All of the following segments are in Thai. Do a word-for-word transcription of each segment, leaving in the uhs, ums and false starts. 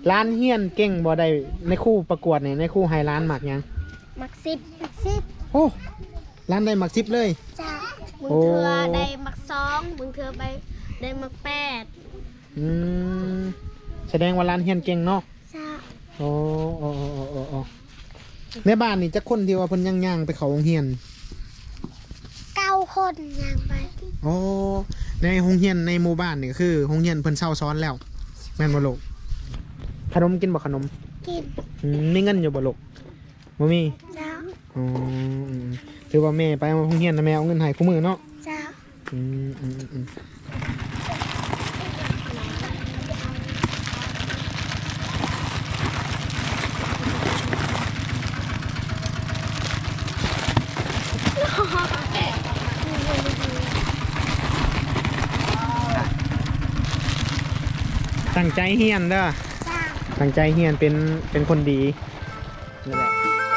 ร้านเฮียนเก่งบ่ได้ในคู่ประกวดเนี่ยในคู่ไฮร้านหมักยังหมักสิบหมักสิบโอ้ร้านได้หมักสิบเลยจ้ามึงเธอได้หมักสองมึงเธอไปได้หมักแปดอืมแสดงว่าร้านเฮียนเก่งเนาะจ้าโอ้โอ้โอ้โอ้โอ้ในบ้านนี่จะคนที่ว่าเพิ่นย่างๆไปเขาโรงเรียนเก้าคนย่างไปโอ้ในโรงเรียนในหมู่บ้านนี่ก็คือโรงเรียนเพิ่นเช่าซ้อนแล้วแม่นบ่ลูกขนมกินบ่ขนมกินมีเงินอยู่บ่ลูกบ่มีจ้าอ๋อถือว่าแม่ไปโรงเรียนนะแม่เอาเงินให้คู่มือเนาะจ้าอืมอืมอืมตั้งใจเฮียนเด้อตั้งใจเฮียนเป็นเป็นคนดีนั่นแหละ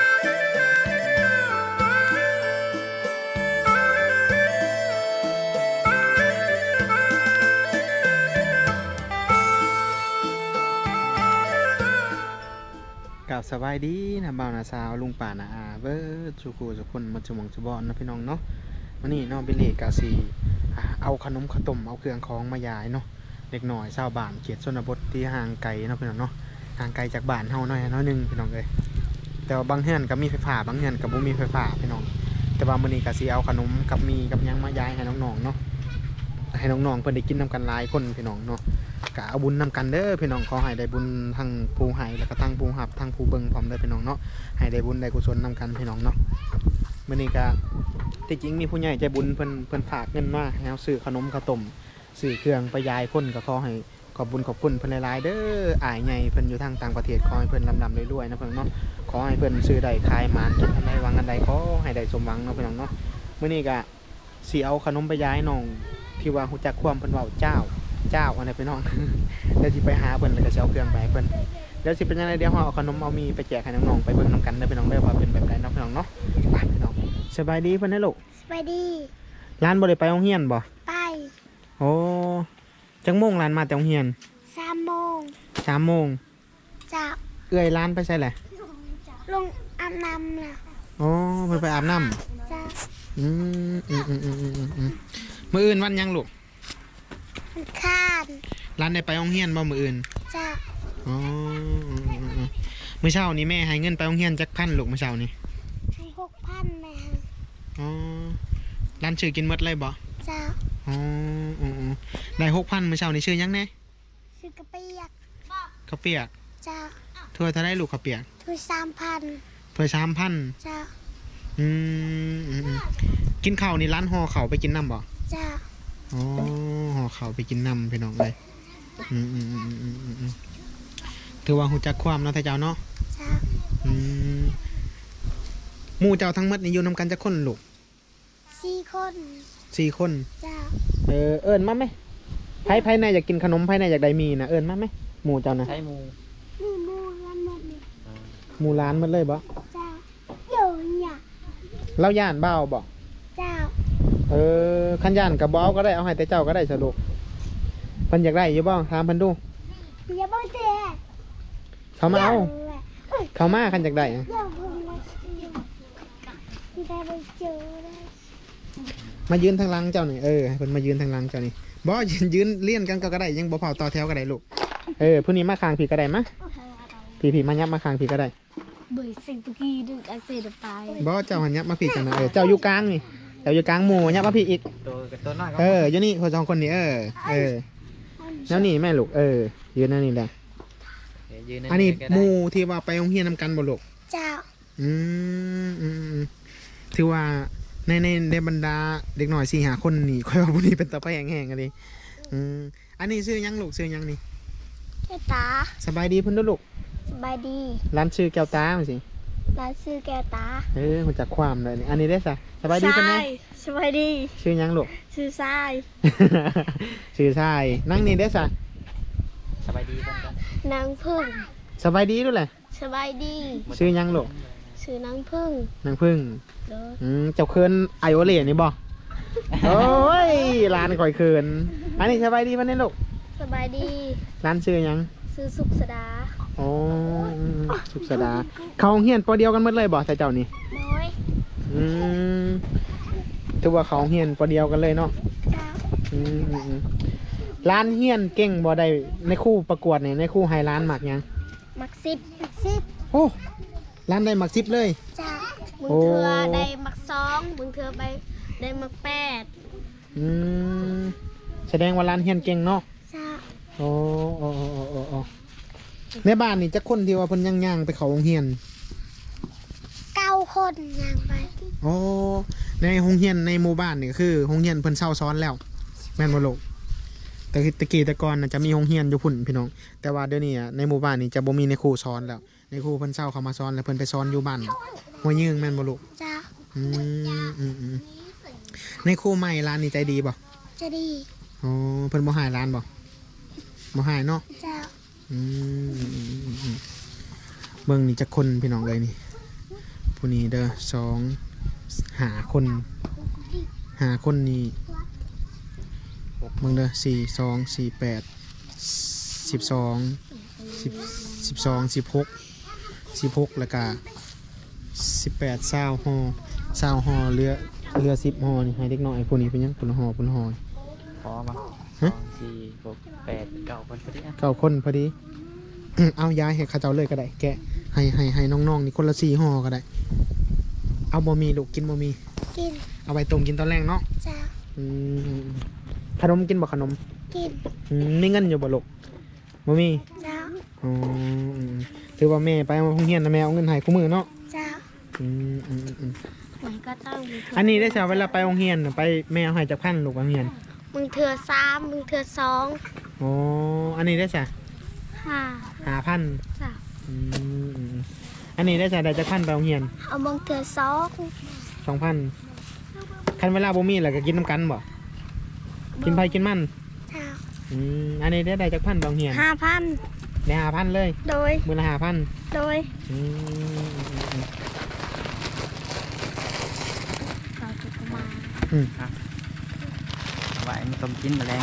กับสบายดีนะบ่าวนาสาวลุงป่านาอาเบิร์ดสุขุสุคนมัจจุมงจุบอนนะพี่น้องเนาะวันนี้น้องเบลเล่กาซีเอาขนมขนมเอาเครื่องของมายายเนาะเล็กหน่อยชาวบ้านเขตชนบทที่ห่างไกลเนาะพี่น้องเนาะห่างไกลจากบ้านเฮาหน่อยน้อยนึงพี่น้องเลยแต่ว่าบางเฮือนก็มีไฟฟ้าบางเฮือนก็บ่มีไฟฟ้าพี่น้องแต่ว่ามื้อนี้ก็สิเอาขนมกับมีกับยังมายายให้น้องๆเนาะให้น้องๆเพิ่นได้กินนำกันหลายคนพี่น้องเนาะก็เอาบุญนำกันเด้อพี่น้องขอให้ได้บุญทั้งผู้ให้แล้วก็ทั้งผู้รับทั้งผู้เบิ่งพร้อมเด้อพี่น้องเนาะให้ได้บุญได้กุศลนำกันพี่น้องเนาะมื้อนี้ก็ที่จริงมีผู้ใหญ่ใจบุญเพิ่นเพิ่นฝากเงินมาให้เอาซื้อขนมข้าวต้มซื้อเครื่องไปยายคนก็ขอให้ขอบบุญขอบคุณเพิ่นหลายๆเด้ออ้ายใหญ่เพิ่นอยู่ทางต่างประเทศขอให้เพิ่นร่ำๆรวยๆนะเพิ่นเนาะขอให้เพิ่นซื้อได้ขายหมานคิดอันใดหวังอันใดขอให้ได้สมหวังเนาะพี่น้องเนาะมื้อนี้ก็สิเอาขนมไปยายน้องที่ว่าฮู้จักความเพิ่นเว้าเจ้าเจ้าอันนี้พี่น้องเดี๋ยวสิไปหาเพิ่นแล้วก็สิเอาเครื่องไปเพิ่นเดี๋ยวสิเป็นยังไงเดี๋ยวเฮาเอาขนมเอามีไปแจกให้น้องๆไปเบิ่งนำกันเด้อพี่น้องเด้อว่าเป็นแบบใดเนาะพี่น้องเนาะไปพี่น้องสบายดีเพิ่นเด้อลูกสบายดีร้านบ่ได้ไปโรงเรียนบ่ไปโอ้จังโมงร้านมาแต่โรงเรียนสามโมงสามโมงจ้าเอื้อยร้านไปใช่แหละลงอาบน้ำล่ะอ๋อเพิ่นไปอาบน้ำจ้าอืมอืมอืมอืมอืมอืมมื้ออื่นวันยังลูกวันค้านร้านได้ไปโรงเรียนบ่มื้ออื่นจ้าอ๋อมื้อเช้านี้แม่ให้เงินไปโรงเรียนจักพันลูกมื้อเช้านี้ให้หกพันแม่อ๋อร้านชื่อกินหมดเลยบ่จ้าอ๋ออ๋อได้หกพันมื้อเช้านี้ชื่อยังแน่ชื่อกระเปียกข้าวเปียกจ้าถ้วยเท่าได้ลูกข้าวเปียกถ้วยสามพันถ้วยสามพันจ้าอืมกินข้าวนี่ร้านห่อข้าวไปกินน้ำบ่จ้าอ๋อห่อข้าวไปกินน้ำพี่น้องเลยอืมอืมอืมอืมอืมถือว่าหูจักความเนาะท่านเจ้าเนาะจ้าอืมหมู่เจ้าทั้งหมดนี่อยู่นำกันจักคนลูกสี่คนสี่คนจ้าเออเอิญมาไหมไผ่ไผ่ในอยากกินขนมไผ่ในอยากได้มีนะเอิญมาไหมหมู่เจ้านะใช่หมู่มีหมู่ร้านหมดเลยหมู่ร้านหมดเลยบ่จ้าเดี๋ยวเนี่ยเล่าย่านเบ้าบ่จ้าเออขันย่านกับบ้าก็ได้เอาให้แต่เจ้าก็ได้สรุปเพิ่นอยากได้อยู่บ้างถามเพิ่นดูอย่าบอกเจ๊เขามาเอาเขามาขันอยากได้มายืนทางหลังเจ้าหน่อยเออเพิ่นมายืนทางหลังเจ้านี่บ่ยืนยืนเลี่ยนกันก็ได้ยังบ่เผาต่อแถวก็ได้ลูกเออผู้นี้มาคางผีก็ได้มะผีผีมายับมาคางผีก็ได้เบื่อสิ่งตุกี้ดึงไอเสดไปบ่เจ้าหันยับมาผีกันนะเออเจ้าอยู่กลางนี่เจ้าอยู่กลางหมู่ยับมาผีอีกเอออยู่นี่คนสองคนนี้เออเออแล้วนี่แม่ลูกเออยืนนั่นนี่แหละอันนี้หมู่ที่ว่าไปโรงเรียนนำกันบ่ลูกเจ้าอืมอืมถือว่าในในในบรรดาเด็กหน่อยสี่หาคนนี่ค่อยว่าพวกนี้เป็นตาไปแห้งๆกันเลยอืมอันนี้ชื่อยังลูกชื่อยังนี่แก้วตาสบายดีพุ่นลูกสบายดีร้านชื่อแก้วตามั้ยสิร้านชื่อแก้วตาเออมันจากความเลยนี่อันนี้ได้สะสบายดีพุ่นไหมสบายดีชื่อยังลูกชื่อทรายชื่อทรายนั่งนี่ได้สะสบายดีกันนางพึ่งสบายดีด้วยแหละสบายดีชื่อยังลูกชื่อนางพึ่งนางพึ่งอืมเจ้าเคินไอโอเล่นี่บ่โอ้ยร้านก่อยเคินอันนี้สบายดีป่ะเนี่ยลูกสบายดีร้านชื่อยังซื้อสุกสดาอ๋อสุขสดาเขาโรงเรียนปอเดียวกันหมดเลยบ่ใส่เจ้านี่น้อยอืมถือว่าเขาโรงเรียนปอเดียวกันเลยเนาะจ้าอืมอืมอืมร้านเฮียนเก่งบ่ได้ในคู่ประกวดเนี่ยในคู่ไฮร้านหมักยังมักสิบมักสิบโอ้ร้านได้หมักซิปเลยจ้ามึงโอ้เธอได้มักสองมึงเธอไปได้มักแปดอืมแสดงว่าร้านเฮียนเก่งเนาะจ้าโอ้โอ้โอ้โอ้โอ้โอ้ในบ้านนี่จะคนที่ว่าเพิ่นย่างๆไปเขาโรงเรียนเก้าคนย่างไปโอ้ในโรงเรียนในหมู่บ้านนี่ก็คือโรงเรียนเพิ่นเช่าซ้อนแล้วแม่นบ่ลูกแต่ตะกี้แต่ก่อนน่ะจะมีโรงเรียนอยู่พุ่นพี่น้องแต่ว่าเดี๋ยวนี้อะในหมู่บ้านนี่จะบ่มีในครูสอนแล้วในครูเพิ่นเช่าเขามาสอนแล้วเพิ่นไปสอนอยู่บ้านหัวยืงแม่นบ่ลูกจ้าอืมอืมอืมในครูใหม่ร้านนี้ใจดีบ่จะดีอ๋อเพิ่นบ่หายร้านบ่บ่หายเนาะจ้าอืมอืมอืมอืมเบิ่งนี่จะคนพี่น้องเลยนี่ผู้นี้เด้อสองหาคนหาคนนี่เบิ่งเด้อสี่สองสี่แปดสิบสองสิบสิบสองสิบหกสิบหกแล้วก็สิบแปดเศร้าห่อเศร้าห่อเรือเรือสิบห่อนี่ให้เด็กน้อยผู้นี้เป็นยังปุ่นห่อปุ่นห่อพอมาสฮะองสี่หกแปดเก้าคนพอดีอ่ะเก้าคนพอดี เอาย้ายให้เข้าเจ้าเลยก็ได้แกะให้ให้ให้น้องๆนี่คนละสี่ห่อก็ได้ เอาบะหมี่ลูกกินบะหมี่กินเอาไปต้มกินตอนแรกเนาะจ้าอืมขนมกินบ่ขนมกินอืมมีเงินอยู่บ่ลูกบะหมี่จ้าอ๋ออืมถือว่าแม่ไปโรงเรียนนะแม่เอาเงินให้คู่มือเนาะจ้าอืมอืมอืมมันก็ต้องมีอันนี้ได้จ้ะเวลาไปโรงเรียนน่ะไปแม่เอาให้จากพันลูกโรงเรียนมึงเถื่อสามมึงเถื่อสองอ๋ออันนี้ได้จ้ะห้าหาพันจ้าอืมอืมอันนี้ได้จ้ะได้จากพันไปโรงเรียนเอามึงเถื่อสองสองพันคันเวลาบ่มีแล้วก็กินน้ำกันบ่กินไผกินมันจ้าอืมอันนี้ได้ได้จากพันไปโรงเรียนห้าพันได้หาพันเลยโดยมือละหาพันโดยอืมอืมอืมเราจะมาอืมเอาไว้มันต้มกินแมลง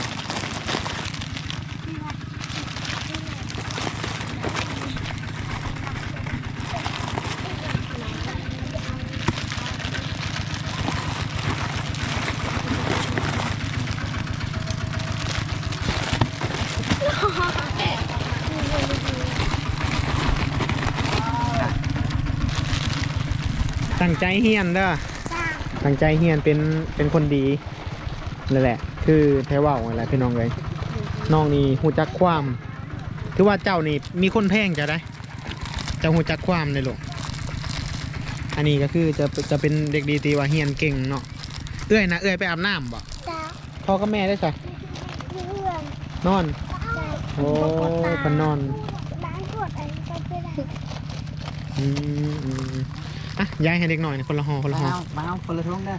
ตั้งใจเฮียนเด้อจ้าตั้งใจเฮียนเป็นเป็นคนดีนั่นแหละ คือแท้ว่าอะไรพี่น้องเลยน้องนี่หูจักความคือว่าเจ้านี่มีคนแพงจะได้เจ้าหูจักความเลยลูกอันนี้ก็คือจะจะเป็นเด็กดีตีว่าเฮียนเก่งเนาะเอื้อยนะเอื้อยไปอาบน้ำบ่จ้าพ่อกับแม่ได้ใส่เพื่อนนอนจ้าโอ้เพันนอนล้างกดอะไรก็ไม่ได้อืมอืมอืมอ่ะย้ายให้เด็กหน่อยนะคนละห่อคนละมาห่อเอามาเอาคนละท้องเด้อ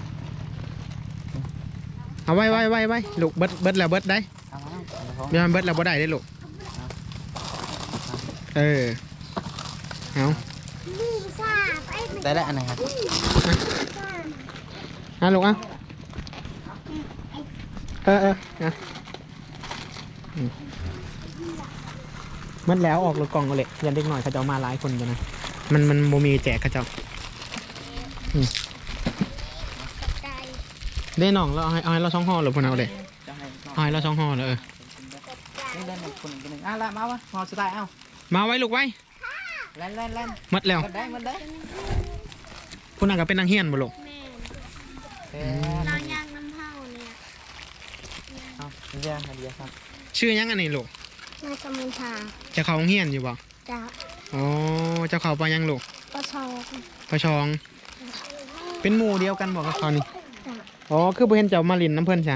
เอาไว้ไว้ไว้ไว้ลูกเบิดเบิดแล้วเบิดได้เอามาเอาคนละท้องเดี๋ยวมันเบิดแล้วบ่ได้ได้ลูกเออเอานี่ทราบไอ้ไม่ได้แล้วอันไหนครับทราบอ่ะลูกอ่ะเออเออนะอืมมันแล้วออกรถกล่องก็เลยยันเด็กหน่อยเขาจะเอามาหลายคนกันนะมันมันโมมีแจกเขาเจ้าใจได้น้องเราเอาให้เอาให้เราช่องห่อหรือพวกเราเลยจะให้ก่อนเอาให้เราช่องห่อเลยเออนี่เล่นหนึ่งคนหนึ่งคนหนึ่งอ่ะละมาวะพอสไตล์เอามาไว้ลูกไว้เล่นเล่นเล่นหมัดแล้วมันได้มันได้พวกนั้นก็เป็นนางเฮียนบ่ลูกแม่เอเราอย่างน้ำเผาเนี่ยเอาเดี๋ยวเดี๋ยวครับชื่อยังอันนี้ลูกน่าจะมีทางจะเขาโรงเฮียนอยู่บ่จะอ๋อเจ้าเขาไปยังลูกก็ชอบประชอง เป็นหมู่เดียวกันบอกกับเขานี่ อ๋อ คือบ่เห็นเจ้ามาลินน้ำเพิ่นใช่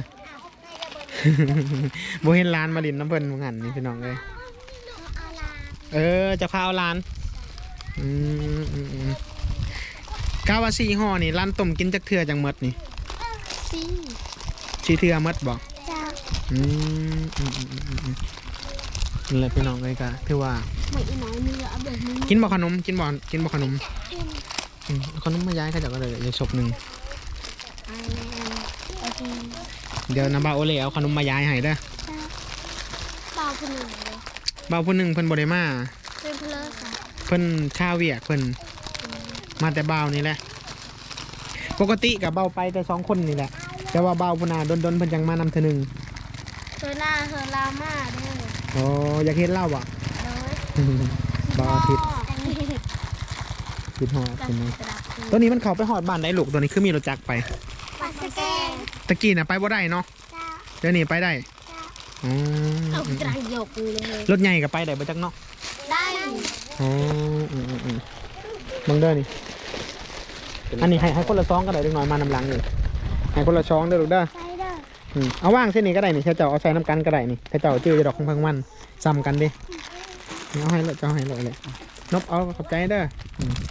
บ่เห็นร้านมาลินน้ำเพิ่นเหมือนกันนี่พี่น้องเลยเอาลาเออเจะพาเอาร้าน อืมอืมอืมกาวาซีห่อนี่ร้านต้มกินจักเทื่อจังหมดนี่ซีซีเทื่อหมดบอกจะอืมอืมอืมอืมอืมนี่แหละพี่น้องเลยก็ถือว่าไม่อีน้อยมีเอาแบบนี้กินบ่ขนม กินบ่กินบ่ขนมกินอืมเอาขนมมาย้ายเขาเจ้าก็เลยอย่าศพหนึ่งอันอันอันเดี๋ยวน้ำบาโอเล่เอาขนมมาย้ายให้เด้อเปล่าคนหนึ่งเลยเบาผู้หนึงเพิ่นบ่ได้มาเป็นเพลินค่ะเพิ่นข้าวเวียกเพิ่นมาแต่เบานี่แหละปกติกับเบาไปแต่สองคนนี่แหละแต่ว่าเบาพุ่นน่ะดนๆเพิ่นจังมานำเทื่อหนึงเธอหน้าเธอลามาเด้อโอ้อยากเห็นเล่าบ่โดยบ่อาทิตย์อันนี้คิดฮอดกระใช่ไหมดาษตัวนี้มันเข้าไปฮอดบ้านได้ลูกตัวนี้คือมีรถจักรไปปัสแกงตะกี้น่ะไปบ่ได้เนาะจ้าเดี๋ยวนี้ไปได้อ๋อเอากระยกเลยรถใหญ่ก็ไปได้บ่จักเนาะได้อ๋ออืมอืมมึงเด้อนี่อันนี้ให้ให้คนละซองก็ได้เล็กน้อยมานำหลังนี่ให้คนละซองเด้อลูกเด้อใช่เด้ออืมเอาว่างเส้นนี้ก็ได้นี่ถ้าเจ้าเอาใส่น้ำกันก็ได้นี่ถ้าเจ้าจื้อจะดอกของพังมันซ้ำกันดิเอาให้เลยเจ้าให้เลยเลยนบเอาขอบใจเด้ออืม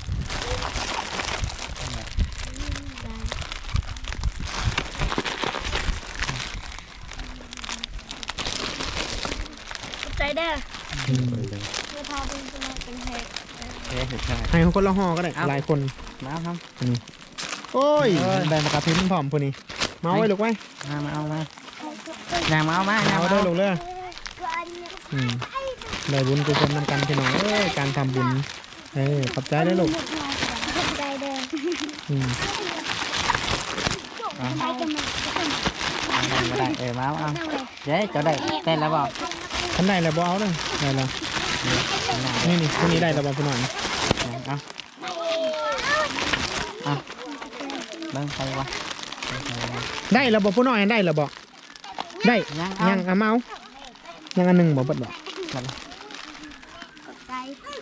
ใจเด้ออืมไม่พอเป็นเป็นเห็ดเฮ้ยใช่ให้คนละห่อก็ได้หลายคนมาครับโอ้ยเออได้มากระพริบพร้อมพวกนี้มาเอาไว้ลูกไว้มามาเอามาอยางมาเอามาอยางเอามาเด้อเอาลูกเด้ออืมได้บุญกุศลนำกันพี่น้องเอ้ยการทำบุญเออขอบใจเด้อลูกใจเด้ออืมไปกันมาไม่ได้เออมาเอาเจ๊จะได้เต้นแล้วบอกท่านได้แล้วบ่เอาเลยได้แล้วนี่นี่พวกนี้ได้แล้วบ่พี่น้องเอาเอาเบิ้งไปวะได้แล้วบ่ผู้น้อยได้แล้วบ่ได้ยังยังเอามาเอายังอันหนึงบ่เบิดบ่ใจ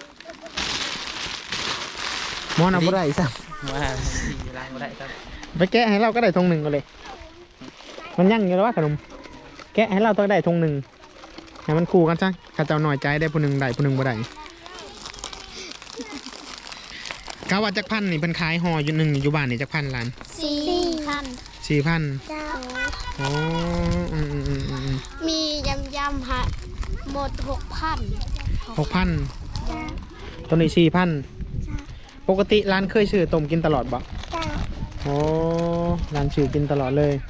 มอนเอาบ่ได้ซะว่าสี่ล้างก็ได้ครับไปแกะให้เราก็ได้ทงหนึ่งก็เลย มันยั่งอยู่แล้วว่าขนมแกะให้เราต้องได้ทงหนึ่งให้มันคู่กันซะข้าเจ้าหน่อยใจได้ผู้หนึ่งได้ผู้หนึ่งบ่ได้กาว่าจักพันนี่เป็นขายห่ออยู่หนึ่งอยู่บ้านนี่จักพันล้านสี่พันสี่พันเจ้าอ๋ออืมอืมอืมอืมอืมมียำยำฮะหมดหกพันหกพันตัวนี้สี่พันปกติร้านเคยซื้อต้มกินตลอดบ่เจ้าโอ้ร้านซื้อกินตลอดเลย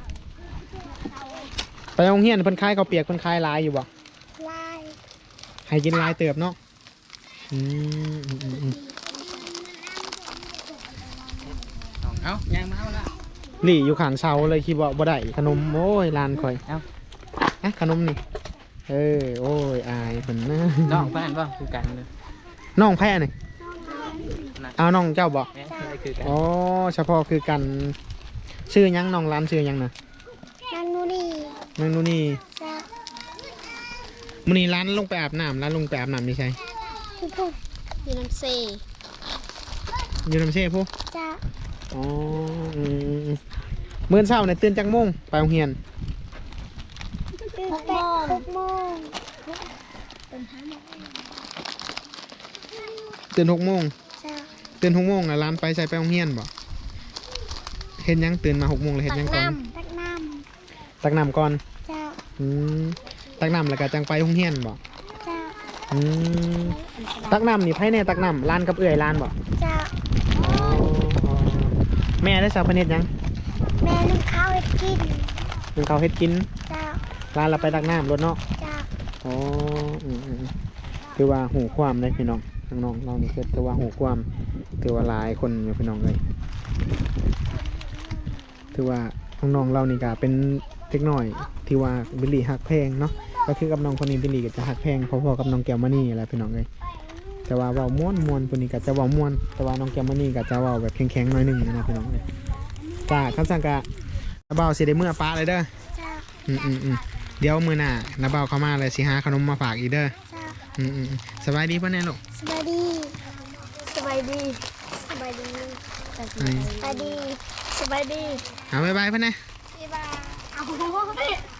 ไปโรงเรียนเพิ่นขายข้าวเปียกเพิ่นขายหลายอยู่บ่ลายให้กินหลายเติบเนาะอืมอืมอืมอืมเอายางมาเอาละหลี่อยู่ข้างเสาเลยคิดว่าบ่ได้ขนมโอ้ยร้านข่อยเอ้าอะขนมนี่เออโอ้ยอายเพิ่นนะน้องเพื่อนบ่คือกันเลยน้องแพ้นี่เอาน้องเจ้าบ่เอ๊ะอะไรคือกันอ๋อเฉพาะคือกันชื่อหยังน้องร้านชื่อหยังนะนันนูนี่นางนูนี่เจ้ามื้อนี้ร้านลงไปอาบน้ำร้านลงไปอาบน้ำนี่ใช่พี่พุ่มอยู่น้ำเซอยู่น้ำเช่ผู้เจ้าอ๋ออืมมื้อเช้าเนี่ยตื่นจักโมงไปโรงเรียนหกโมงหกโมงตื่นหกโมงเจ้าตื่นหกโมงแล้วร้านไปใส่ไปโรงเรียนบ่เฮ็ดหยังตื่นมาหกโมงแล้วเฮ็ดหยังก่อนตักน้ตักน้ำก่อนำเจ้าอืมตักน้ำแล้วก็จังไปโรงเรียนบ่เจ้าอืมตักน้ำนี่ไผแน่ตักน้ำร้านกับเอื้อยร้านบ่เจ้าอ๋ออ๋อแม่ได้สาวพเนตรยังแม่นึ่งข้าวให้กินเป็นเขาวเฮ็ดกินเจ้าร้านเราไปตักน้ำรถเนาะเจ้าอ๋ออืมอืมอืมคือว่าหูความเลยพี่น้องน้องๆเรานี่คือคือว่าหูความคือว่าหลายคนอยู่พี่น้องเลยถือว่าน้องๆเรานี่ก็เป็นเด็กน้อยที่ว่าบิลลี่หักแพงเนาะก็คือกับน้องคนนี้บิลลี่ก็จะหักแพงพอๆกับน้องแก้วมานี่อะไรพี่น้องเลยแต่ว่าเว้าม่วนม่วนคนนี้ก็จะเว้าม่วนแต่ว่าน้องแก้วมานี่ก็จะเว้าแบบแข็งๆหน่อยหนึงนะพี่น้องเลยจ้าคำสั่งกะนาเบาสิได้เมื่อป้าเลยเด้อเจ้าอืมอืมอืมเดี๋ยวมือหน้านาเบาเข้ามาเลยสิหาขนมมาฝากอีกเด้อเจ้าอืมอืมอืมสบายดีป่ะเนี่ยลูกสบายดี สบายดี สบายดี สบายดี สบายดีเอาบายบายป่ะเนี่ยบ๊ายบายเอา